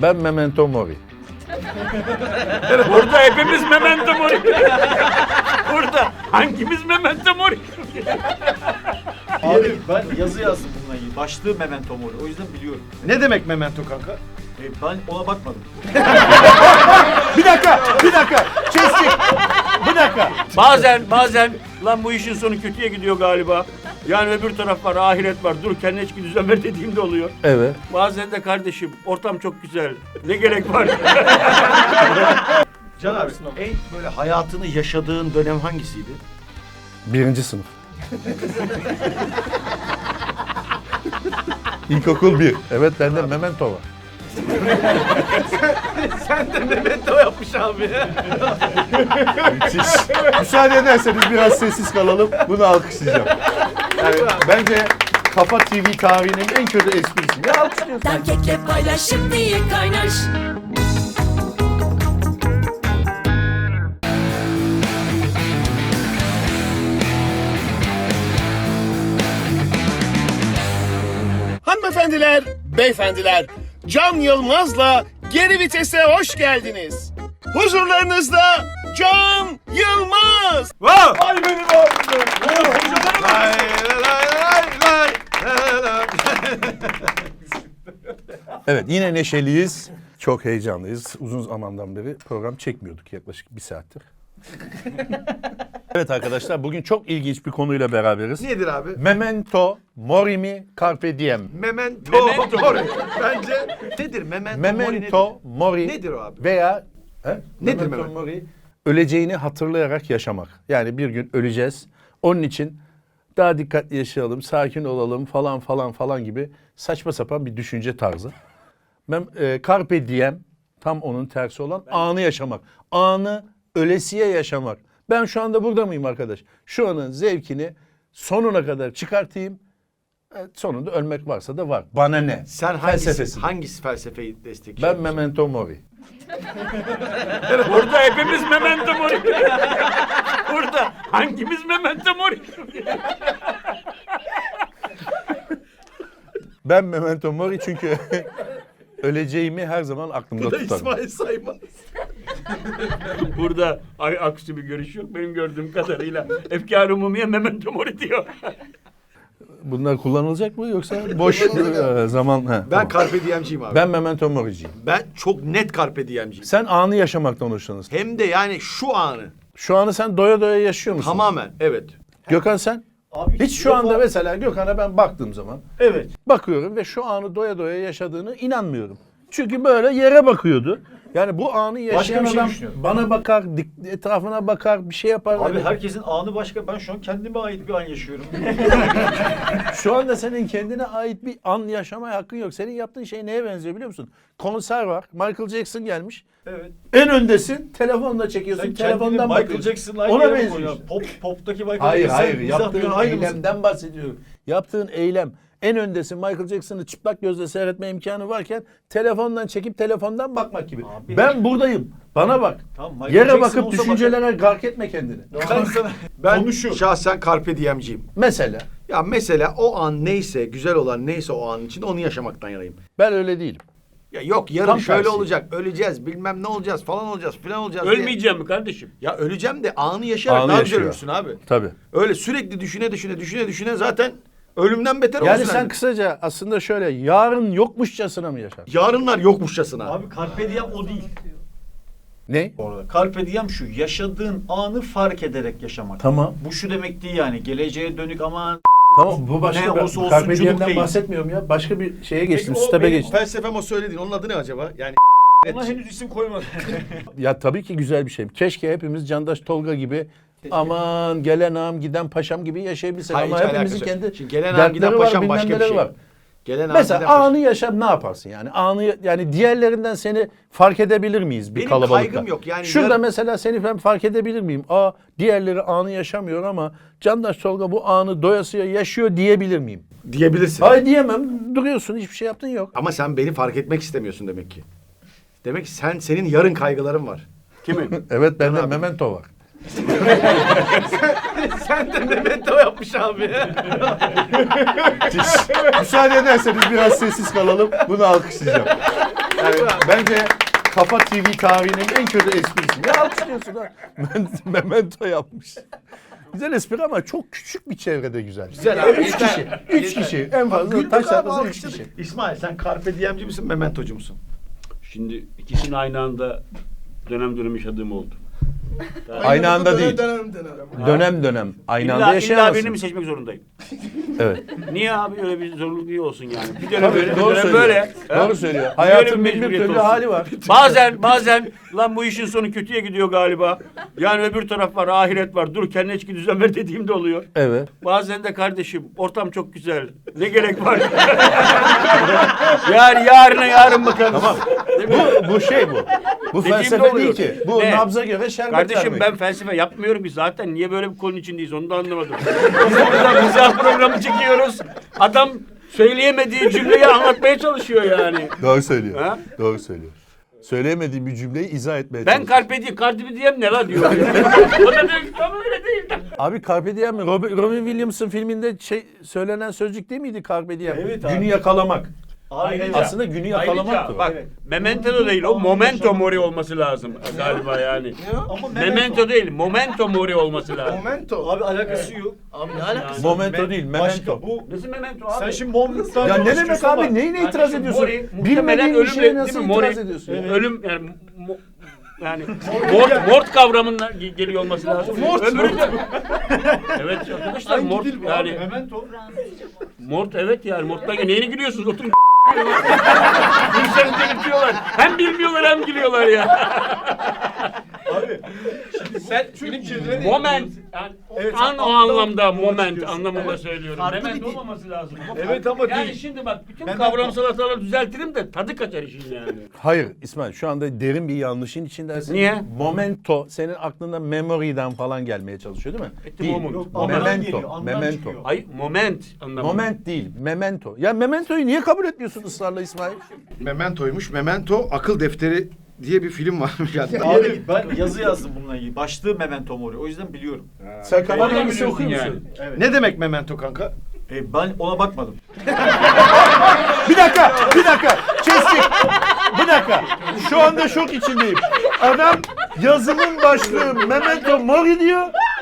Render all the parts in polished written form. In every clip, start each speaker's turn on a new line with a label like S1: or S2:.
S1: Ben Memento Mori.
S2: Burada hepimiz Memento Mori. Burada hangimiz Memento Mori?
S3: Abi ben yazı yazdım bununla ilgili. Başlığı Memento Mori. O yüzden biliyorum.
S4: Ne demek memento kanka?
S3: Ben ona bakmadım.
S4: Bir dakika. Kestik. Bir dakika.
S2: Bazen lan bu işin sonu kötüye gidiyor galiba. Yani öbür taraf var, ahiret var. Dur kendine hiçbir düzen ver dediğim de oluyor.
S1: Evet.
S2: Bazen de kardeşim ortam çok güzel. Ne gerek var?
S4: Can abi en böyle hayatını yaşadığın dönem hangisiydi?
S1: 1. sınıf. İlkokul 1. Evet bende Memento var.
S4: Sen de memento yapmış abi.
S1: Müsaade ederseniz biraz sessiz kalalım. Bunu alkışlayacağım. Yani bence Kafa TV tarihinin en kötü esprisi. Ne alkışlıyorsun?
S5: Kekle paylaşım diye kaynaş.
S6: Hanımefendiler, beyefendiler, Can Yılmaz'la Geri Vites'e hoş geldiniz. Huzurlarınızda Can Yılmaz.
S4: Ay benim abim. Lay lay lay lay.
S1: Evet yine neşeliyiz. Çok heyecanlıyız. Uzun zamandan beri program çekmiyorduk yaklaşık 1 saattir. Evet arkadaşlar bugün çok ilginç bir konuyla beraberiz.
S4: Nedir abi?
S1: Memento Mori mi Carpe Diem?
S4: Memento Mori. Bence nedir memento,
S1: Memento Mori
S4: Nedir o abi?
S1: veya
S4: Nedir
S1: Memento
S4: memento?
S1: Mori? Öleceğini hatırlayarak yaşamak. Yani bir gün öleceğiz. Onun için daha dikkatli yaşayalım, sakin olalım falan gibi saçma sapan bir düşünce tarzı. Carpe Diem tam onun tersi olan anı yaşamak. Anı ölesiye yaşamak. Ben şu anda burada mıyım arkadaş? Şu anın zevkini sonuna kadar çıkartayım. Sonunda ölmek varsa da var. Bana ne?
S4: Sen hangisi felsefeyi
S1: Ben
S4: destekliyorsun?
S1: Memento Mori.
S2: Burada hepimiz Memento Mori. Burada hangimiz Memento Mori?
S1: Ben Memento Mori çünkü öleceğimi her zaman aklımda tutarım.
S4: İsmail Saymaz.
S2: Burada aksi bir görüş yok. Benim gördüğüm kadarıyla Efkar-ı Umumiye Memento Mori diyor.
S1: Bunlar kullanılacak mı yoksa boş zaman? He,
S4: Ben
S1: tamam.
S4: Carpe Diem'ciyim abi.
S1: Ben Memento Mori'ciyim.
S4: Ben çok net Carpe Diem'ciyim.
S1: Sen anı yaşamaktan hoşlanırsın.
S4: Hem de yani şu anı.
S1: Şu anı sen doya doya yaşıyor musun?
S4: Tamamen evet.
S1: Gökhan sen?
S3: Abi
S1: Hiç şu anda mesela Gökhan'a ben baktığım zaman
S3: Evet.
S1: bakıyorum ve şu anı doya doya yaşadığını inanmıyorum. Çünkü böyle yere bakıyordu. Yani bu anı yaşayan
S3: bir şey
S1: adam
S3: düşünüyorum.
S1: bana bakar, etrafına bakar, bir şey yapar.
S3: Abi
S1: Yani
S3: herkesin anı başka. Ben şu an kendime ait bir an yaşıyorum.
S1: şu anda senin kendine ait bir an yaşamaya hakkın yok. Senin yaptığın şey neye benziyor biliyor musun? Konser var. Michael Jackson gelmiş.
S3: Evet.
S1: En öndesin. Telefonla çekiyorsun.
S3: Sen
S1: telefondan
S3: kendini Michael
S1: bakıyorsun.
S3: Jackson'la
S1: Ona
S3: aynı yere mi
S1: benziyor
S3: koyuyorsun?
S1: işte.
S3: Pop'taki Michael
S1: Hayır
S3: Jackson.
S1: hayır.
S3: mizah
S1: Yaptığın
S3: dünyanın aynı mısın?
S1: eylemden bahsediyorum. Yaptığın eylem. En öndesin. Michael Jackson'ı çıplak gözle seyretme imkanı varken telefondan çekip telefondan bakmak gibi.
S3: Abi-
S1: Ben buradayım. Bana bak.
S3: Tamam, Michael
S1: Yere
S3: Jackson
S1: bakıp
S3: olsa
S1: düşüncelere gark etme kendini.
S4: Ben
S3: Konuşuyor.
S4: şahsen Carpe Diem'ciyim.
S1: Mesela
S4: Ya mesela o an neyse, güzel olan neyse o an için onu yaşamaktan yanayım.
S1: ben öyle değilim.
S4: Ya yok yarın
S1: Tam
S4: şöyle
S1: tersi.
S4: olacak, öleceğiz, bilmem ne olacağız, falan olacağız, filan olacağız diye.
S2: Ölmeyeceğim mi kardeşim?
S4: Ya öleceğim de anı yaşayarak
S1: Anı
S4: daha
S1: yaşıyor.
S4: güzel ölürsün abi.
S1: Tabii.
S4: Öyle sürekli düşüne zaten ölümden beter
S1: Yani
S4: olursun.
S1: sen kısaca aslında şöyle yarın yokmuşçasına mı yaşar?
S4: Yarınlar yokmuşçasına.
S3: Abi Carpe Diem o değil.
S1: Ne?
S3: Bu arada. Carpe Diem şu. Yaşadığın anı fark ederek yaşamak.
S1: Tamam.
S3: Bu şu demek değil yani. Geleceğe dönük aman.
S1: Tamam bu başka
S3: Ne
S1: bir
S3: olursa olsun
S1: Carpe
S3: çocuk
S1: Diem'den
S3: değil.
S1: bahsetmiyorum ya. Başka bir şeye geçtim.
S4: Peki o
S1: Step'e
S4: benim
S1: geçtim.
S4: felsefem o söylediğin. Onun adı ne acaba? Yani
S3: Ona henüz isim koymadım.
S1: Ya tabii ki güzel bir şey. Keşke hepimiz Candaş Tolga gibi aman gelen ağam giden paşam gibi yaşayabilsek.
S4: hayır,
S1: Ama
S4: hiç
S1: hepimizin
S4: alakası yok.
S1: kendi
S4: Şimdi gelen ağam
S1: dertleri
S4: giden
S1: var,
S4: paşam
S1: bilmem
S4: başka bir
S1: neleri
S4: şey.
S1: var.
S4: Gelen ağam
S1: Mesela
S4: giden paşam.
S1: anı yaşa ne yaparsın yani? Anı yani diğerlerinden seni fark edebilir miyiz bir
S4: Benim
S1: kalabalıkta?
S4: kaygım yok. Yani
S1: Şurada mesela seni ben fark edebilir miyim? Diğerleri anı yaşamıyor ama Candaş Tolga bu anı doyasıya yaşıyor diyebilir miyim?
S4: Diyebilirsin.
S1: Hayır diyemem. Duruyorsun hiçbir şey yaptın yok.
S4: Ama sen beni fark etmek istemiyorsun demek ki. Demek ki senin yarın kaygıların var.
S2: Kimin?
S1: Evet bende
S4: abi.
S1: memento var.
S4: Sen de memento yapmış abi.
S1: Müsaade ederseniz biraz sessiz kalalım. Bunu alkışlayacağım. Yani bence Kafa TV tarihinin en kötü esprisi. Ne alkışlıyorsun ha? Memento yapmış. Güzel espri ama çok küçük bir çevrede güzel.
S4: Güzel abi.
S1: 3 kişi. 3 kişi. En fazla
S4: Güldük
S1: taş
S4: abi,
S1: atlasın 3
S4: alkışladık.
S1: kişi.
S4: İsmail sen Carpe Diem'ci misin, Memento'cu musun?
S2: Şimdi ikisini aynı anda dönem yaşadığım oldu.
S1: Aynı anda değil. Dönem. Aynı anda
S2: İlla birini mi
S1: yaşayamazsın.
S2: seçmek zorundayım?
S1: Evet.
S2: Niye abi öyle bir zorunluluk iyi olsun yani? Bir dönem böyle, bir
S1: Doğru
S2: dönem
S1: söylüyor.
S2: böyle.
S1: Doğru söylüyor. Hayatın bin bir
S2: mecburiyet
S1: türlü
S2: olsun.
S1: hali var.
S2: Bazen lan bu işin sonu kötüye gidiyor galiba. Yani öbür taraf var, ahiret var. Dur kendine içki düzen ver dediğim de oluyor.
S1: Evet.
S2: Bazen de kardeşim ortam çok güzel. Ne gerek var? Yani yarın bakarız.
S1: Tamam. Bu şey bu. Bu
S2: Dediğim de
S1: felsefe değil
S2: oluyor.
S1: ki. Bu
S2: Ne?
S1: nabza göre şerbet
S2: Kardeşim
S1: vermek.
S2: ben felsefe yapmıyorum ki zaten. Niye böyle bir konunun içindeyiz onu da anlamadım. Biz burada mizah programı çekiyoruz. Adam söyleyemediği cümleyi anlatmaya çalışıyor yani.
S1: Doğru söylüyor.
S2: Ha?
S1: Doğru söylüyor. Söyleyemediğim bir cümleyi izah etmeye
S2: Ben
S1: çalışıyor.
S2: Carpe Diem ne la diyor. O da diyor ki tam öyle değil.
S1: Abi Carpe Diem mi? Robin Williams'ın filminde söylenen sözcük değil miydi Carpe Diem?
S3: Evet abi.
S1: Günü yakalamak.
S3: Ayrıca,
S1: Aslında günü yakalamaktı.
S2: Bak memento da değil o momento mori olması lazım galiba yani.
S3: ama
S2: Memento değil momento mori olması lazım.
S7: Momento.
S3: Abi alakası yok.
S7: Abi ne alakası?
S1: Momento değil, memento.
S3: Başka bu.
S2: Nasıl memento abi?
S3: Sen şimdi momento'dan
S1: Ya ne demek
S3: konuşuyorsun ama-
S1: abi? Neyine itiraz
S2: Kardeşim,
S1: ediyorsun?
S2: mori, muhtemelen
S1: Bilmediğin bir
S2: ölümle
S1: şeye
S2: değil
S1: nasıl
S2: mi? Mori,
S1: itiraz ediyorsun?
S2: ölüm yani yani mort kavramından geliyor olması lazım. Öbürü de. Evet arkadaşlar mort yani
S3: Memento.
S2: mort evet yani morttan neyine gülüyorsunuz? Oturun Gülsenize bitiyorlar. Hem bilmiyorlar hem gülüyorlar ya.
S3: Abi. Şimdi sen film çevirmeni
S2: Moment. Yani
S3: Evet,
S2: an o
S3: anlamda
S2: anlamda
S3: doğru
S2: moment
S3: çıkıyorsun.
S2: anlamında
S3: Evet.
S2: söylüyorum.
S7: Farklı
S2: Moment
S7: bir dil.
S2: olmaması lazım.
S3: Evet ama
S2: yani
S3: değil.
S2: şimdi bak bütün
S3: Memento.
S2: kavramsal hataları düzeltirim de tadı kaçar işin yani.
S1: Hayır İsmail şu anda derin bir yanlışın içindesin.
S2: Niye?
S1: Momento senin aklında memory'den falan gelmeye çalışıyor değil mi?
S2: Etti
S1: Değil.
S2: moment.
S3: Yok, andan
S1: Memento.
S3: geliyor, andan
S1: Memento.
S3: çıkıyor.
S2: Hayır moment anlamında.
S1: Moment değil, memento. Ya mementoyu niye kabul etmiyorsun ısrarla İsmail?
S4: Memento'ymuş. Memento akıl defteri diye bir film var.
S3: Abi ben yazı yazdım bununla ilgili. Başlığı Memento Mori. O yüzden biliyorum.
S1: Sen kafa
S2: Oradan
S1: dergisi
S2: biliyorsun
S1: okuyor
S2: yani.
S1: musun?
S4: Ne demek memento kanka?
S3: Ben ona bakmadım.
S1: Bir dakika. Kestik. Bir dakika. Şu anda şok içindeyim. Adam yazımın başlığı Memento Mori diyor.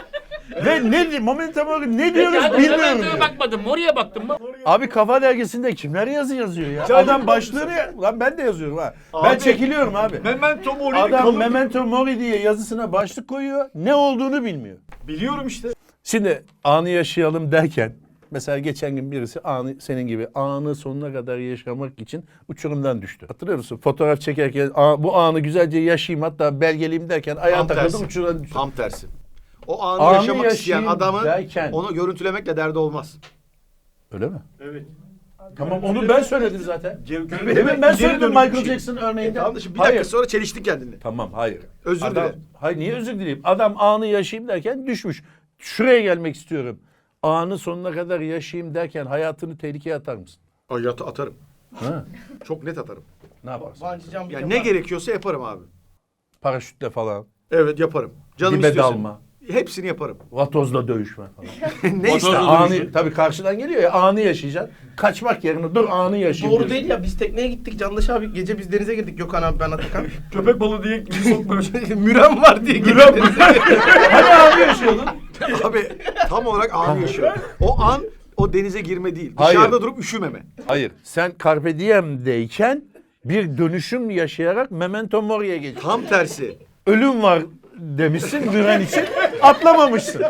S1: Ve ne Memento Mori ne diyoruz
S2: Yani
S1: bilmiyorum
S2: Memento'ya
S1: diyor.
S2: bakmadım. Mori'ye baktım mı?
S1: Abi Kafa Dergisi'nde kimler yazı yazıyor ya? Adam başlığını lan ben de yazıyorum ha. Ben
S3: Abi,
S1: çekiliyorum abi.
S3: Memento Mori
S1: Adam Memento Mori diye yazısına başlık koyuyor. Ne olduğunu bilmiyor.
S3: biliyorum işte.
S1: Şimdi anı yaşayalım derken mesela geçen gün birisi anı senin gibi anı sonuna kadar yaşamak için uçurumdan düştü. Hatırlıyor musun? Fotoğraf çekerken bu anı güzelce yaşayayım hatta belgeleyim derken ayağa
S4: Tam
S1: takıldı
S4: tersi.
S1: uçurumdan düştü.
S4: Tam tersi. O anı,
S1: Anı
S4: yaşamak isteyen
S1: yaşayayım
S4: adamın
S1: derken.
S4: onu görüntülemekle derdi olmaz.
S1: Öyle mi?
S3: Evet.
S1: Tamam onu ben söyledim zaten.
S3: Demin
S1: Demin ben söyledim Michael Jackson örneğinde.
S4: Tamam da şimdi bir
S1: Hayır.
S4: dakika sonra çeliştin kendini.
S1: Tamam hayır.
S4: Özür
S1: Adam,
S4: dilerim.
S1: hayır niye özür dileyim? Adam anı yaşayayım derken düşmüş. Şuraya gelmek istiyorum. Anı sonuna kadar yaşayayım derken hayatını tehlikeye atar mısın?
S4: Ay atarım.
S1: Ha?
S4: Çok net atarım.
S1: Ne yaparsın?
S7: Bungee jumping
S4: Yani ne
S7: yapar.
S4: gerekiyorsa yaparım abi.
S1: Paraşütle falan.
S4: Evet yaparım. Canım
S1: Dibe
S4: istiyorsa.
S1: dalma.
S4: Hepsini yaparım.
S1: Vatozla dövüşme falan.
S4: Ne ister?
S1: Anı, tabii karşıdan geliyor ya anı yaşayacaksın. Kaçmak yerine dur anı yaşayayım.
S7: Doğru
S1: diyorsun.
S7: değil ya, biz tekneye gittik Candaş abi, gece biz denize girdik, Gökhan abi ben Atakan.
S3: Köpek balığı diye sokmuyor.
S7: Müren var diye girdik.
S1: Hani anı yaşıyordun?
S4: Abi tam olarak anı yaşıyor. O an o denize girme değil.
S1: Hayır.
S4: Dışarıda durup üşümeme.
S1: Hayır. Sen Carpe Diem'deyken bir dönüşüm yaşayarak Memento Mori'ye geçiyorsun.
S4: Tam tersi.
S1: Ölüm var demişsin Müren için atlamamışsın.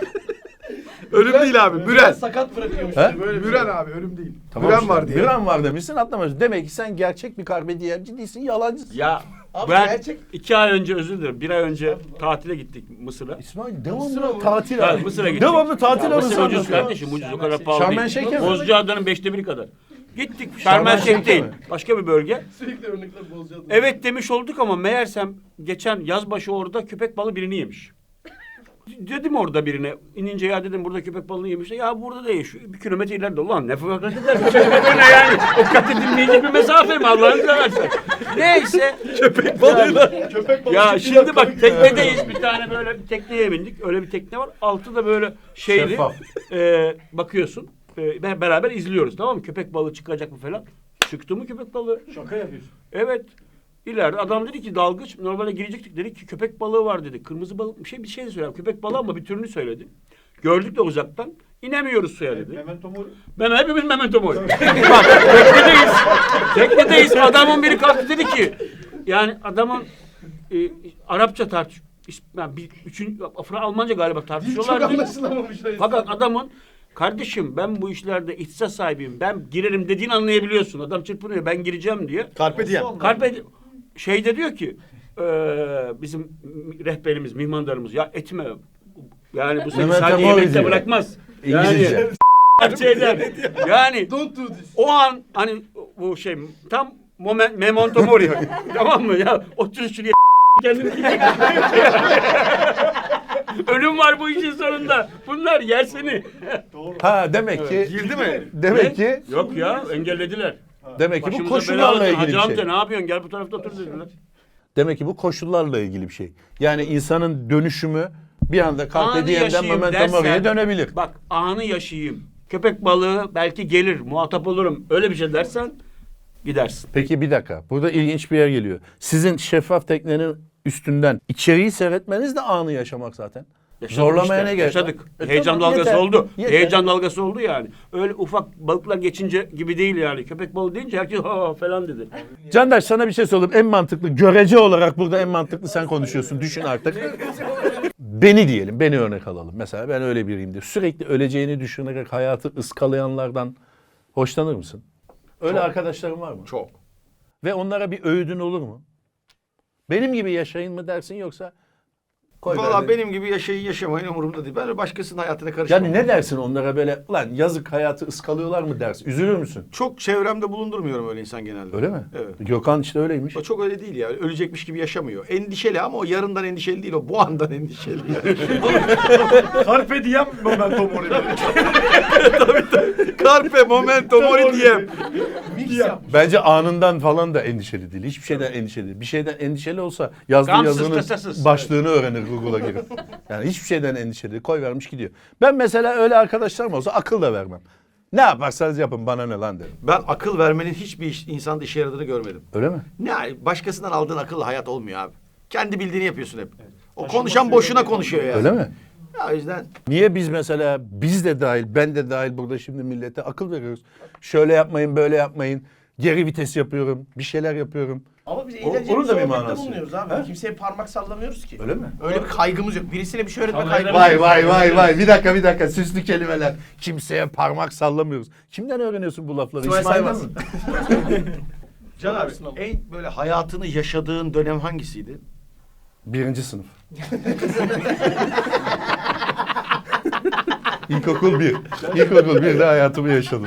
S4: Ölüm değil abi. Müren.
S7: Sakat bırakıyormuş.
S1: He?
S7: Böyle bir
S4: Müren abi ölüm değil.
S1: Tamam
S4: Müren
S1: işte,
S4: var diye.
S1: Müren var demişsin atlamamışsın. Demek ki sen gerçek bir Carpe Diem'ci değilsin yalancısın.
S2: Ya
S7: Abi
S2: ben
S7: gerçek-
S2: 2 ay önce özür dilerim. 1 ay önce tatile gittik Mısır'a.
S1: İsmail devamlı tatil
S2: Ha,
S1: abi.
S2: Mısır'a gittik.
S1: Devamlı tatil
S2: Ya,
S1: anısı
S2: Mısır ucuz
S1: anlatıyor.
S2: kardeşim ucuz o kadar pahalı
S1: Şarm El
S2: değil.
S1: Şeyh'e mi?
S2: Bozcaada'nın 1/5 kadar. Gittik
S1: Şarm
S2: Şarm
S1: El
S2: El Şeyh
S1: Şeyh'e
S2: değil.
S1: mi?
S2: Başka bir bölge.
S7: Sürekli örnekler bozacağız.
S2: Evet demiş olduk ama meğersem geçen yazbaşı orada köpek balığı birini yemiş. Dedim orada birine inince ya dedim burada köpek balığını yemişler. Ya burada değil şu 1 kilometre ileride. Ulan ne fark eder? Ne yani? O kat edilmeyecek bir mesafe mi Allah'ını seversen? Neyse. Köpek balığıyla.
S3: Köpek balığı.
S2: Ya şimdi bak teknedeyiz bir tane böyle bir tekneye bindik. Öyle bir tekne var. Altı da böyle şeyli.
S1: Şeffaf.
S2: Bakıyorsun. Beraber izliyoruz tamam mı? Köpek balığı çıkacak mı falan. Çıktı mı köpek balığı?
S3: Şaka yapıyorsun.
S2: Evet. İleride adam dedi ki dalgıç normalde girecektik, dedi ki köpek balığı var dedi. Kırmızı balık bir şey de söyledi. Köpek balığı ama bir türünü söyledi. Gördük de uzaktan. İnemiyoruz suya dedi.
S3: Memento mori.
S2: Ben hepimiz memento mori. Bak teknedeyiz. Teknedeyiz. Adamın biri kalktı dedi ki yani adamın Arapça yani Almanca galiba tartışıyorlar.
S7: Çok anlaşılamamış.
S2: Fakat adamın kardeşim ben bu işlerde ihtisas sahibiyim. Ben girerim dediğini anlayabiliyorsun. Adam çırpınıyor. Ben gireceğim diye.
S4: Carpe diem.
S2: Carpe şeyde diyor ki bizim rehberimiz, mihmandarımız ya etme. Yani bu seni
S1: Memento
S2: sadece
S1: mori
S2: yemekte
S1: diyor.
S2: bırakmaz.
S1: İngilizce.
S2: Yani şeyler. Yani
S7: Don't do this.
S2: o an hani bu şey tam memento mori. Tamam mı ya? Otur şuraya kendini ölüm var bu işin sonunda. Bunlar yer seni.
S1: Ha demek ki
S4: Girdi mi?
S1: demek ki
S2: Yok ya engellediler.
S1: demek ki bu
S2: Başımıza
S1: koşullarla
S2: bela
S1: ilgili bir
S2: Hacı amca
S1: şey.
S2: ne yapıyorsun? Gel bu tarafta otur dediler.
S1: Demek ki bu koşullarla ilgili bir şey. Yani insanın dönüşümü bir anda Carpe
S2: Anı
S1: Diem'den
S2: yaşayayım
S1: Memento
S2: dersen-
S1: Mori'ye dönebilir.
S2: Bak anı yaşayayım. Köpek balığı belki gelir, muhatap olurum. Öyle bir şey dersen gidersin.
S1: Peki bir dakika. Burada ilginç bir yer geliyor. Sizin şeffaf teknenin üstünden içeriği seyretmeniz de anı yaşamak zaten.
S2: Yaşadık
S1: Zorlamaya
S2: işte,
S1: ne gerek var?
S2: yaşadık.
S1: E
S2: Heyecan
S1: tamam,
S2: dalgası
S1: yeter,
S2: oldu.
S1: yeter.
S2: Heyecan dalgası oldu yani. Öyle ufak balıklar geçince gibi değil yani. Köpek balığı deyince herkes ha falan dedi.
S1: Candaş sana bir şey sorayım. En mantıklı, görece olarak burada en mantıklı sen konuşuyorsun. Düşün artık. Beni diyelim, beni örnek alalım. Mesela ben öyle biriyim diye. Sürekli öleceğini düşünerek hayatı ıskalayanlardan hoşlanır mısın? Öyle arkadaşların var mı?
S4: Çok.
S1: Ve onlara bir öğüdün olur mu? Benim gibi yaşayın mı dersin yoksa? Koy
S4: Valla
S1: ver.
S4: benim gibi yaşamayın umurumda değil. Ben başkasının hayatına karışmam.
S1: Yani ne dersin onlara böyle, ulan yazık hayatı ıskalıyorlar mı dersin? Üzülür müsün?
S4: Çok çevremde bulundurmuyorum öyle insan genelde.
S1: Öyle mi?
S4: Evet.
S1: Gökhan işte öyleymiş.
S4: O çok öyle değil ya. Ölecekmiş gibi yaşamıyor. Endişeli ama o yarından endişeli değil. O bu andan endişeli. Yani.
S3: Carpe diem memento mori.
S4: Carpe momento mori diem.
S7: Mix yap.
S1: Bence anından falan da endişeli değil. Hiçbir şeyden endişeli değil. Bir şeyden endişeli olsa yazdığı
S2: Gamsız,
S1: yazının
S2: tasasız.
S1: başlığını öğrenir Google'a girip. Yani hiçbir şeyden endişeli değil. Koy vermiş gidiyor. Ben mesela öyle arkadaşlarım olsa akıl da vermem. Ne yaparsanız yapın bana ne lan derim.
S4: Ben akıl vermenin hiçbir insanda işe yaradığını görmedim.
S1: Öyle mi?
S4: Ne başkasından aldığın akılla hayat olmuyor abi. Kendi bildiğini yapıyorsun hep. O konuşan boşuna konuşuyor yani.
S1: Öyle mi?
S4: Ya o yüzden
S1: Niye biz mesela biz de dahil ben de dahil burada şimdi millete akıl veriyoruz. Şöyle yapmayın böyle yapmayın. Geri vites yapıyorum. Bir şeyler yapıyorum.
S7: Ama biz
S1: O-
S7: eğlenceli
S1: onun
S7: bir
S1: da bir
S7: sohbette
S1: manası.
S7: bulunuyoruz abi.
S1: Ha?
S7: Kimseye parmak sallamıyoruz ki.
S1: Öyle mi?
S7: Öyle bir kaygımız yok. Birisine bir şey öğretme
S2: Tamam,
S7: kaygımız
S2: öyle
S7: yok.
S1: Vay. Bir dakika. Süslü kelimeler. Kimseye parmak sallamıyoruz. Kimden öğreniyorsun bu lafları?
S7: İsmail
S1: İsmail'den
S7: Saymaz.
S1: mi?
S4: Can abi en böyle hayatını yaşadığın dönem hangisiydi?
S1: 1. sınıf. İlkokul 1. İlkokul 1'de hayatımı yaşadım.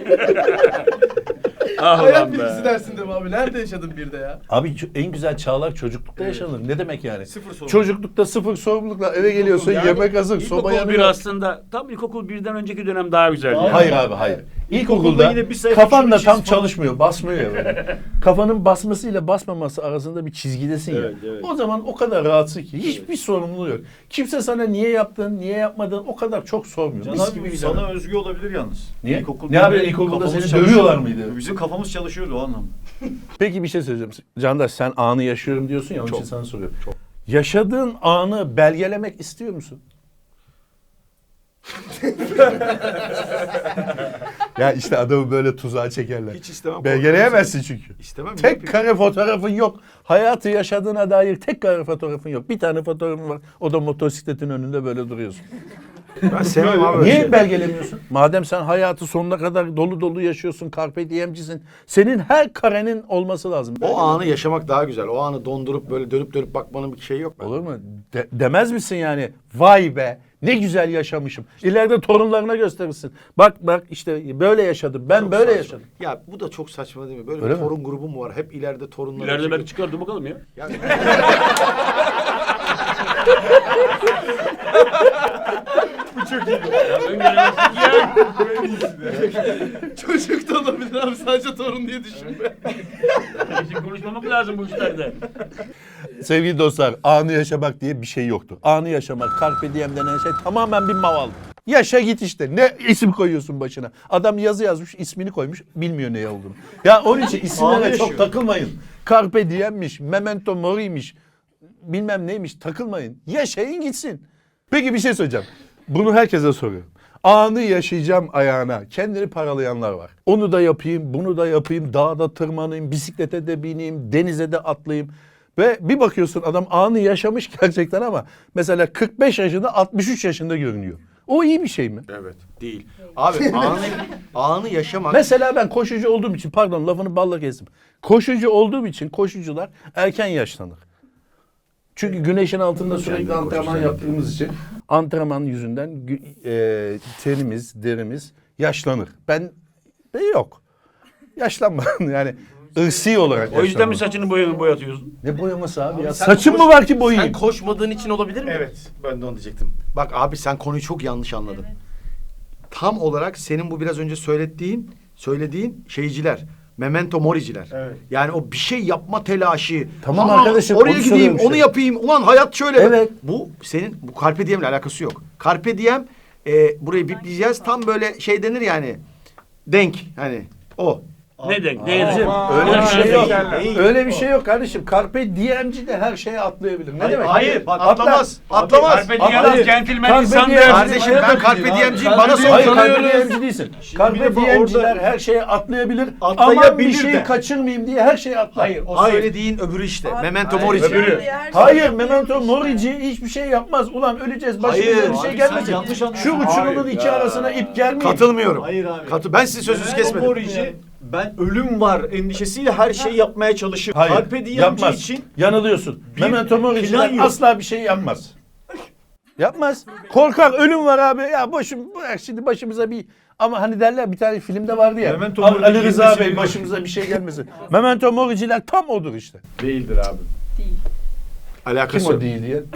S2: Ah
S7: Hayat
S2: ulan be.
S7: bilgisi dersinde mi abi? Nerede yaşadın bir de ya?
S1: Abi en güzel çağlar çocuklukta yaşanır. Ne demek yani?
S4: Sıfır sorumluluk.
S1: Çocuklukta sıfır sorumlulukla eve geliyorsun, yemek hazır, soba
S2: İlkokul bir
S1: yanıyor.
S2: aslında tam ilkokul birden önceki dönem daha güzeldi.
S1: Hayır abi hayır. İlkokulda
S3: İlkokulda yine bir sayfa
S1: kafan da
S3: şunu
S1: tam
S3: çiz falan.
S1: çalışmıyor, basmıyor ya böyle. Kafanın basmasıyla basmaması arasında bir çizgidesin ya.
S2: Evet, evet.
S1: O zaman o kadar rahatsın ki hiçbir sorumluluğu yok. Kimse sana niye yaptın, niye yapmadın o kadar çok sormuyor.
S3: Can
S1: Mis gibi
S3: abi
S1: bir
S3: sana
S1: dönem.
S3: özgü olabilir yalnız.
S1: Niye?
S3: İlkokul
S1: Ne abi,
S3: birde
S1: ilkokulda
S3: kafamız
S1: seni
S3: çalışıyordu.
S1: dövüyorlar mıydı?
S3: Bizim kafamız çalışıyordu o anlamda.
S1: Peki bir şey söyleyeceğim. Candaş sen anı yaşıyorum diyorsun ya onun için sana soruyorum. Yaşadığın anı belgelemek istiyor musun? Ya işte adamı böyle tuzağa çekerler.
S4: Hiç istemem.
S1: Belgeleyemezsin çünkü.
S4: İstemem.
S1: Tek kare fotoğrafın yok. Hayatı yaşadığına dair tek kare fotoğrafın yok. Bir tane fotoğrafın var. O da motosikletin önünde böyle duruyorsun.
S4: Ben sevmem abi. öyle
S1: Niye
S4: şey.
S1: belgelemiyorsun? Madem sen hayatı sonuna kadar dolu dolu yaşıyorsun, carpe diem'cisin. Senin her karenin olması lazım.
S4: O anı yaşamak daha güzel. O anı dondurup böyle dönüp bakmanın bir şeyi yok.
S1: Olur mu? Demez misin yani? Vay be ne güzel yaşamışım. İleride torunlarına gösterirsin. Bak işte böyle yaşadım. Ben
S4: Çok
S1: böyle
S4: saçma.
S1: yaşadım.
S4: Ya bu da çok saçma değil mi? Böyle
S1: Öyle
S4: bir
S1: mi?
S4: torun grubu mu var? Hep ileride torunlar.
S2: İleride belki çıkardı bakalım ya.
S4: Yani...
S7: Çocuk da olabilir abi. Sadece torun diye düşünme.
S2: Bizim konuşmamak lazım bu işlerde.
S1: Sevgili dostlar, anı yaşamak diye bir şey yoktur. Anı yaşamak, carpe diem denen şey tamamen bir maval. Yaşa git işte. Ne isim koyuyorsun başına? Adam yazı yazmış, ismini koymuş, bilmiyor ne olduğunu. Ya onun için isimlere çok takılmayın. Carpe diem'miş, memento mori'ymiş, bilmem neymiş, takılmayın. Yaşayın gitsin. Peki bir şey söyleyeceğim. Bunu herkese soruyorum. Anı yaşayacağım ayağına kendini paralayanlar var. Onu da yapayım, bunu da yapayım, dağda tırmanayım, bisiklete de bineyim, denize de atlayayım. Ve bir bakıyorsun adam anı yaşamış gerçekten ama mesela 45 yaşında 63 yaşında görünüyor. O iyi bir şey mi?
S4: Evet. Değil. Abi anı yaşamak.
S1: Mesela ben koşucu olduğum için, pardon lafını balla kestim. Koşucu olduğum için koşucular erken yaşlanır. Çünkü güneşin altında sürekli antrenman yaptığımız için antrenman yüzünden tenimiz, derimiz yaşlanır. Ben de yok. Yaşlanma yani ırsi olarak
S2: O yüzden mi
S1: yaşlanma.
S2: saçını boyatıyorsun?
S1: Ne boyaması abi ya?
S7: sen
S1: Saçım mı var ki boyayayım?
S7: Sen koşmadığın için olabilir mi?
S3: Evet, ben de onu diyecektim.
S4: Bak abi sen konuyu çok yanlış anladın. Tam olarak senin bu biraz önce söylediğin şeyciler. Memento moriciler.
S3: Evet.
S4: Yani o bir şey yapma telaşı.
S1: Tamam
S4: Ama
S1: arkadaşım,
S4: oraya
S1: onu
S4: gideyim,
S1: soruyorum
S4: onu
S1: işte.
S4: yapayım. Ulan hayat şöyle.
S1: Evet.
S4: Bu Carpe Diem'le alakası yok. Carpe Diem burayı bipleyeceğiz. Tam böyle şey denir yani. Denk hani o.
S2: Ne denk?
S1: Kardeşim, öyle bir şey yok. Öyle bir şey yok kardeşim. Carpe diem'ci de her şeye atlayabilir. Ne demek?
S4: Hayır, bak
S1: Atlar.
S4: atlamaz. Atlamaz.
S2: Carpe
S1: Atlar.
S2: diem centilmen
S1: Carpe
S2: insandır.
S1: diem.
S4: Kardeşim ben Carpe Diem'ciyim. Bana
S1: Hayır
S4: sor.
S1: Carpe diem'ci değilsin. Carpe
S3: de bu
S1: diem'ciler
S3: orada-
S1: her şeye atlayabilir.
S3: Atlayabilir
S1: Aman bir şeyi
S3: de.
S1: kaçırmayayım diye her şeye atlar.
S3: Hayır,
S4: O söylediğin öbürü işte. Memento morici.
S3: öbürü.
S1: Hayır, memento morici hiçbir şey yapmaz. Ulan öleceğiz, başımıza
S4: Hayır,
S1: bir şey
S3: abi,
S1: gelmesin.
S3: sen yanlış
S1: Şu
S3: anlıyorsun.
S1: uçurumun
S3: Hayır.
S1: iki arasına ip gelmeyin.
S4: Katılmıyorum.
S3: Hayır abi.
S4: Ben sizin sözünüzü kesmedim.
S3: Morici, ben ölüm var endişesiyle her şeyi yapmaya çalışır.
S1: Hayır,
S3: Carpe Diem'ci
S1: yapmaz.
S3: için
S1: Yanılıyorsun.
S3: bir
S1: Memento moriciler
S3: plan yok.
S1: asla bir şey yapmaz. Yapmaz. Korkar, ölüm var abi. Ya bırak şimdi başımıza bir... Ama hani derler bir tane filmde vardı ya.
S3: Memento
S1: Ali
S3: Mori'nin
S1: Rıza
S3: girmesi
S1: Bey
S3: bir-
S1: başımıza bir şey gelmesin. Memento moriciler tam odur işte.
S3: değildir abi.
S1: Kim
S4: Alakası
S1: o
S4: yok.
S1: değil diye.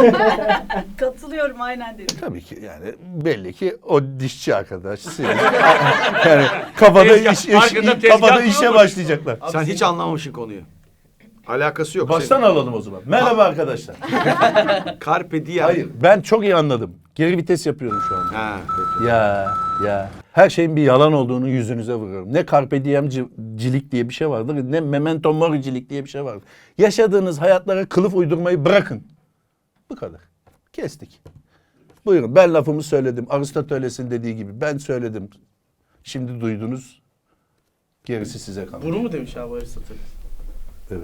S8: Katılıyorum aynen dedim.
S1: Tabii ki yani belli ki o dişçi arkadaş. Siz. Yani kafada
S2: Arkada tezgah
S1: kafada işe
S2: kurulmuş.
S1: başlayacaklar.
S4: Sen hiç anlamamışsın konuyu. Alakası yok.
S1: Baştan alalım o zaman. Merhaba arkadaşlar.
S4: Carpe Diem.
S1: Hayır, ben çok iyi anladım. Geri vites yapıyorum şu anda.
S4: Ha, peki.
S1: Ya. Her şeyin bir yalan olduğunu yüzünüze vuruyorum. Ne carpe diem'cilik diye bir şey vardır, ne memento moricilik diye bir şey vardır. Yaşadığınız hayatlara kılıf uydurmayı bırakın. Bu kadar. Kestik. Buyurun, ben lafımı söyledim. Aristoteles'in dediği gibi ben söyledim. Şimdi duydunuz. Gerisi size kalmış.
S7: Bunu mu demiş abi Aristoteles?
S1: Evet.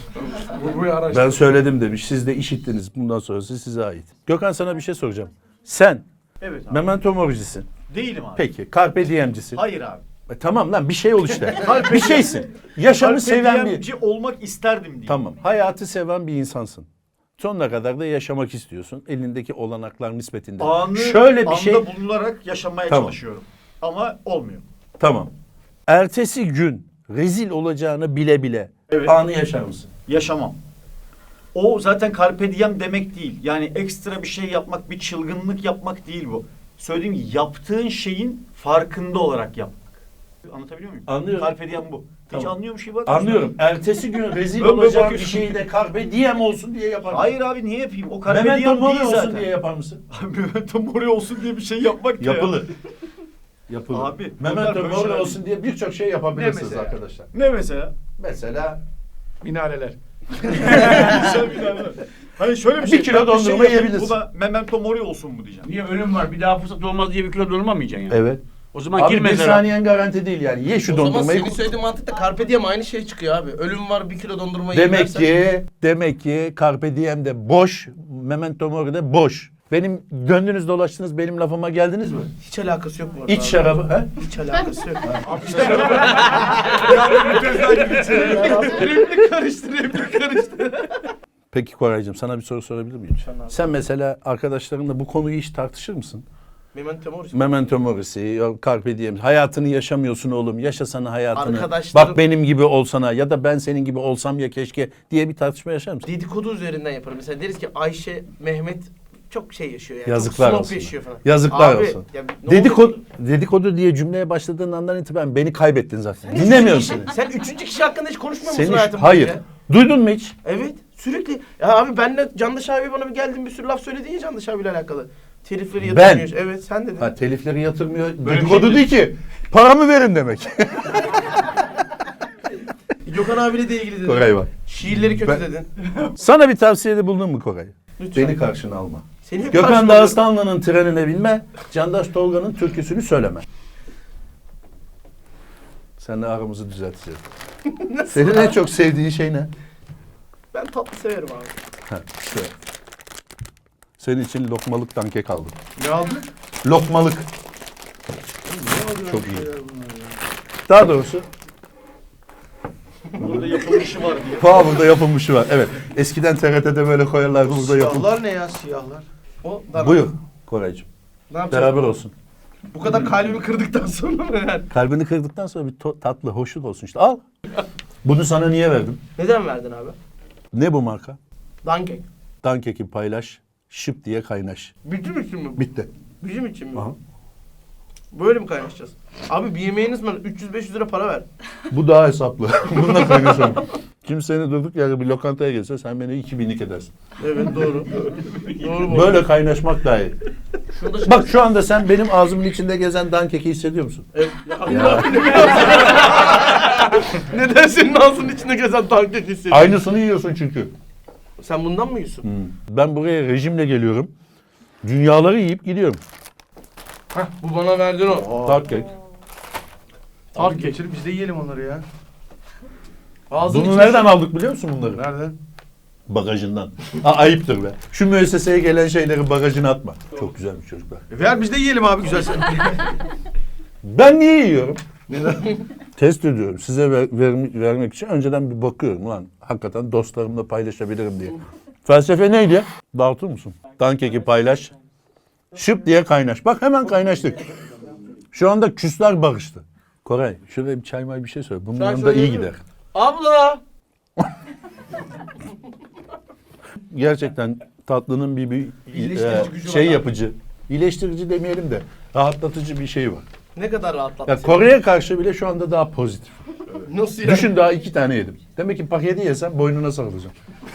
S1: Ben söyledim demiş. Siz de işittiniz. Bundan sonrası size ait. Gökhan sana bir şey soracağım. Sen
S3: Evet abi.
S1: memento moricisin.
S3: Değilim abi.
S1: Peki. Carpe diem'cisin.
S3: Hayır abi.
S1: Tamam lan bir şey ol işte. Bir şeysin. Yaşamı
S3: Carpe
S1: seven bir...
S3: Diem'ci olmak isterdim diye.
S1: Tamam. Hayatı seven bir insansın. Sonuna kadar da yaşamak istiyorsun. Elindeki olanaklar nispetinde. Şöyle bir şey...
S3: anda bulunarak yaşamaya
S1: Tamam.
S3: çalışıyorum. Ama olmuyor.
S1: Tamam. Ertesi gün rezil olacağını bile bile
S3: Evet.
S1: anı yaşar mısın?
S3: Yaşamam. O zaten carpe diem demek değil. Yani ekstra bir şey yapmak, bir çılgınlık yapmak değil bu. Söylediğim gibi yaptığın şeyin farkında olarak yapmak. Anlatabiliyor muyum?
S1: Anlıyorum.
S3: Carpe diem bu. Hiç
S1: Tamam.
S3: anlıyormuş gibi bak.
S1: Anlıyorum. Ertesi gün rezil
S3: Böyle
S1: olacağın bir
S3: bakıyorsun.
S1: şeyi de carpe diem olsun diye yapar mısın?
S3: Hayır abi niye yapayım? O carpe
S1: Memento
S3: diem
S1: mori
S3: değil
S1: olsun
S3: zaten.
S1: diye yapar mısın?
S3: Memento mori olsun diye bir şey yapmak da ya.
S1: Yapılır. Yapılır.
S3: Abi, bunlar
S1: Memento
S3: böyle
S1: mori
S3: şeyler
S1: olsun diye birçok şey yapabilirsiniz
S3: mesela?
S1: arkadaşlar.
S3: Ne mesela?
S1: Mesela
S4: Minareler.
S3: Güzel bir tane. Hani şöyle bir şey.
S1: kilo
S3: ben
S1: dondurma
S3: yapayım,
S1: yiyebilirsin.
S3: Bu da memento mori olsun mu diyeceğim.
S2: Niye ölüm var bir daha fırsat olmaz diye bir kilo dondurma mı yiyeceksin yani?
S1: evet.
S2: O zaman
S1: Abi
S2: gir
S1: bir
S2: mezara.
S1: saniyen garanti değil yani. Ye şu
S7: O zaman
S1: dondurmayı.
S7: senin söylediğin mantıkla Carpe Diem aynı şey çıkıyor abi. Ölüm var 1 kilo dondurma yiyersen-
S1: Demek ki Carpe Diem de boş, Memento Mori de boş. Benim döndünüz dolaştınız benim lafıma geldiniz mi?
S7: Hiç alakası yok bu arada.
S1: İç
S7: abi.
S1: şarabı. He?
S7: Hiç alakası yok.
S3: Replik karıştır.
S1: Peki Koraycığım sana bir soru sorabilir miyim? Sen mesela arkadaşlarınla bu konuyu hiç tartışır mısın?
S7: Memento Mori.
S1: Memento Mori'si, Carpe Diem. Hayatını yaşamıyorsun oğlum. Yaşasana hayatını.
S7: Arkadaşlarım-
S1: Bak benim gibi olsana ya da ben senin gibi olsam ya keşke diye bir tartışma yaşar mısın?
S7: Dedikodu üzerinden yaparım. Mesela deriz ki Ayşe, Mehmet çok şey yaşıyor yani.
S1: Yazıklar
S7: çok snob
S1: olsun.
S7: yaşıyor falan.
S1: Yazıklar
S7: Abi,
S1: olsun.
S7: ya ne olur-
S1: Dedikodu diye cümleye başladığın andan itibaren beni kaybettin zaten. Dinlemiyorum seni.
S7: Sen 3. kişi hakkında hiç konuşmuyor musun
S1: Seni
S7: hayatın
S1: hayır.
S7: boyunca?
S1: Duydun mu hiç?
S7: Evet sürekli. Ya abi benle Candaş abi bana bir geldin bir sürü laf söyledin ya Candaş abiyle alakalı. Telifleri
S1: Ben.
S7: yatırmıyor. Evet sen dedin.
S1: Ha, telifleri yatırmıyor.
S3: Böyle bir
S1: Dedikodu
S3: şey
S1: değil ki. Paramı verin demek.
S7: Gökhan abiyle de ilgili dedin.
S1: Koray bak.
S7: Şiirleri kötü
S1: Ben-
S7: dedin.
S1: Sana bir tavsiyede bulundun mu Koray?
S7: Lütfen.
S1: Beni karşına alma.
S7: Seni hep
S1: Gökhan
S7: karşıma-
S1: Dağıstanlı'nın trenine binme, Candaş Tolga'nın türküsünü söyleme. Seninle aramızı düzelteceğiz. Senin en çok sevdiğin şey ne?
S7: Ben tatlı severim abi.
S1: Ha, işte. Senin için lokmalık dankek aldım.
S7: Ne aldın?
S1: Lokmalık. Çok iyi. Daha doğrusu
S3: Burada yapılmışı var diye.
S1: burada yapılmışı var. Evet. Eskiden TRT'de böyle koyarlardı, burada yapılmış.
S4: Siyahlar ne ya siyahlar?
S7: O da
S1: Buyur Koraycığım.
S7: Ne yapacağız?
S1: Beraber olsun.
S7: Bu kadar kalbimi kırdıktan sonra mı yani?
S1: Kalbini kırdıktan sonra bir tatlı, hoşluk olsun işte. Al. Bunu sana niye verdim?
S7: Neden verdin abi?
S1: Ne bu marka?
S7: Dankek.
S1: Dankeki paylaş, şıp diye kaynaş.
S7: Bizim için mi bu?
S1: Bitti.
S7: Bizim için mi?
S1: Aha.
S7: Böyle mi kaynaşacağız? Abi bir yemeğiniz var 300-500 lira para ver.
S1: Bu daha hesaplı. Bununla kaynaşalım. Kim seni durduk yere bir lokantaya gelse sen beni 2000'lik edersin.
S7: Evet doğru. Doğru bu.
S1: Böyle kaynaşmak daha iyi.
S7: Şurada
S1: Bak şu anda sen benim ağzımın içinde gezen dankeki hissediyor musun?
S7: Evet. Neden senin ağzının içinde gezen dankek hissediyorsun?
S1: Aynısını yiyorsun çünkü.
S7: Sen bundan mı yiyorsun?
S1: Ben buraya rejimle geliyorum. Dünyaları yiyip gidiyorum.
S7: Hah bu bana verdin o.
S1: Tart kek.
S4: Abi
S7: Tart
S4: geçir biz de yiyelim onları ya.
S7: Ağzının
S1: Bunu
S7: içine-
S1: nereden aldık biliyor musun bunları?
S4: Nereden?
S1: Bagajından. Ayıptır be. Şu müesseseye gelen şeyleri bagajına atma. Çok güzelmiş çocuklar.
S4: Ver biz de yiyelim abi güzel.
S1: Ben niye yiyorum?
S4: Neden?
S1: Test ediyorum. Size vermek için önceden bir bakıyorum. Ulan hakikaten dostlarımla paylaşabilirim diye. Felsefe neydi? Dağıtır mısın? Dankeki paylaş. Şıp diye kaynaş. Bak hemen kaynaştık. Şu anda küsler barıştı. Koray şuraya bir çay may bir şey söyle. Bunun
S7: Çay
S1: yanında iyi
S7: söyleyeyim mi?
S1: gider.
S7: Abla!
S1: Gerçekten tatlının bir
S7: İyileştirici gücü
S1: şey
S7: var abi.
S1: yapıcı. İyileştirici demeyelim de rahatlatıcı bir şey var.
S7: Ne kadar rahatlattı.
S1: Ya Kore'ye karşı bile şu anda daha pozitif.
S7: Nasıl yani?
S1: Düşün daha 2 tane yedim. Demek ki paketi yesem boynuna sarılacağım.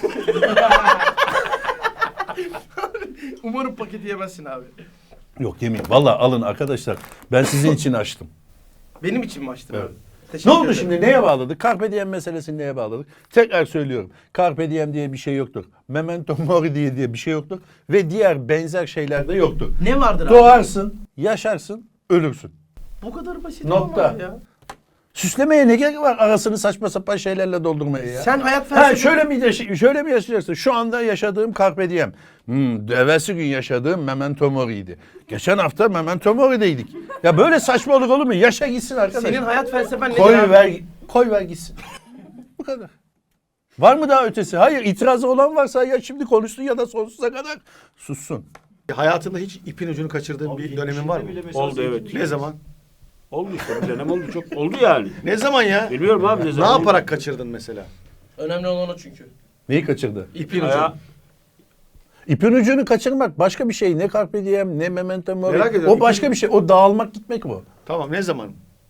S7: Umarım paketi yemezsin abi.
S1: Yok yemeyeyim. Valla alın arkadaşlar. Ben sizin için açtım.
S7: Benim için mi açtın
S1: Evet.
S7: abi?
S1: Ne
S7: Teşekkür
S1: oldu
S7: ederim.
S1: şimdi? Neye bağladık? Carpe diem meselesini neye bağladık? Tekrar söylüyorum. Carpe diem diye bir şey yoktur. Memento mori diye bir şey yoktur. Ve diğer benzer şeyler de yoktur.
S7: Ne vardır abi?
S1: Doğarsın, yaşarsın, ölürsün.
S7: Bu kadar basit
S1: Nokta.
S7: olmaz ya.
S1: Süslemeye ne gerek var arasını saçma sapan şeylerle doldurmaya ya?
S7: Sen hayat
S1: Ha
S7: felsefe...
S1: şöyle mi yaşayacaksın? Şu anda yaşadığım Carpe Diem. Evvelsi gün yaşadığım Memento Mori'ydi. Geçen hafta Memento Mori'deydik. Ya böyle saçmalık olur mu? Yaşa gitsin arkadaş.
S7: Senin hayat felsefen nedir
S1: koy
S7: abi?
S1: ver gitsin. Bu kadar. Var mı daha ötesi? Hayır, itirazı olan varsa ya şimdi konuşsun ya da sonsuza kadar sussun.
S4: Hayatında hiç ipin ucunu kaçırdığın bir dönemin var mı?
S2: Oldu evet.
S4: Ne zaman?
S2: Oldu işte bir dönem oldu çok. Oldu yani.
S4: Ne zaman ya?
S2: Bilmiyorum abi ne
S4: Ne
S2: zaman.
S4: yaparak kaçırdın mesela?
S7: Önemli olan o çünkü.
S1: Neyi kaçırdı?
S4: İpin
S2: Aya-
S4: ucunu.
S1: İpin ucunu kaçırmak başka bir şey. Ne Carpe Diem, ne Memento Mori.
S4: Merak ediyorum.
S1: O başka bir şey. O dağılmak gitmek bu.
S4: Tamam ne zaman?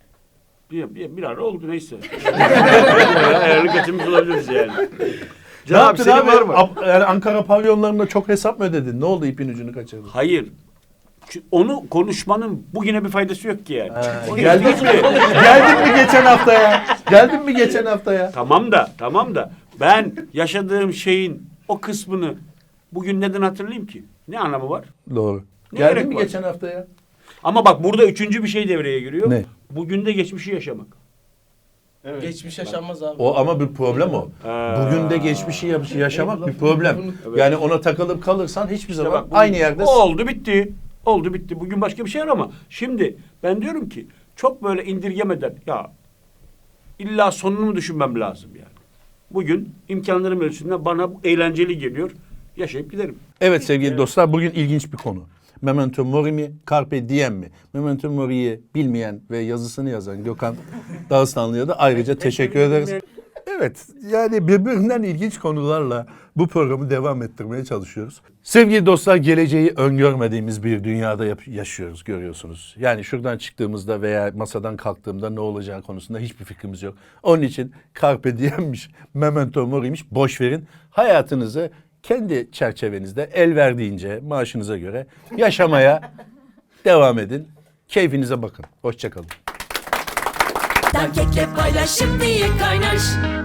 S2: bir ara oldu neyse. Ayarlı kaçırmış olabiliriz yani.
S1: Ne yaptın
S4: senin
S1: abi?
S4: var mı?
S1: Yani Ankara pavyonlarında çok hesap mı ödedin? Ne oldu ipin ucunu kaçırdın?
S2: Hayır. Onu konuşmanın bugüne bir faydası yok ki yani.
S1: Geldin mi? Geldin mi geçen haftaya? Geldin mi geçen haftaya?
S2: Tamam da ben yaşadığım şeyin o kısmını bugün neden hatırlayayım ki? Ne anlamı var?
S1: Doğru.
S2: Ne
S1: Geldin
S2: gerek
S1: mi
S2: var?
S1: geçen haftaya?
S2: Ama bak burada üçüncü bir şey devreye giriyor.
S1: Ne?
S2: Bugün de geçmişi yaşamak.
S7: Geçmiş yaşanmaz abi.
S1: O ama bir problem o. Bugün de geçmişi yaşamak bir problem.
S2: Evet.
S1: Yani ona takılıp kalırsan hiçbir zaman
S2: bak bugün-
S1: aynı yerde...
S2: O oldu bitti. Oldu bitti. Bugün başka bir şey var ama şimdi ben diyorum ki çok böyle indirgemeden ya illa sonunu mu düşünmem lazım yani. Bugün imkanlarım ölçüsünde bana bu eğlenceli geliyor. Yaşayıp giderim.
S1: Evet sevgili dostlar bugün ilginç bir konu. Memento Mori mi, Carpe Diem mi? Memento Mori'yi bilmeyen ve yazısını yazan Gökhan Dağıstanlı'ya da ayrıca teşekkür ederiz. Evet, yani birbirinden ilginç konularla bu programı devam ettirmeye çalışıyoruz. Sevgili dostlar, geleceği öngörmediğimiz bir dünyada yaşıyoruz, görüyorsunuz. Yani şuradan çıktığımızda veya masadan kalktığımda ne olacağı konusunda hiçbir fikrimiz yok. Onun için Carpe Diem'miş, Memento Mori'miş, boş verin. Hayatınızı kendi çerçevenizde el verdiğince maaşınıza göre yaşamaya devam edin. Keyfinize bakın. Hoşça kalın.
S5: Kekle paylaş şimdi kaynaş.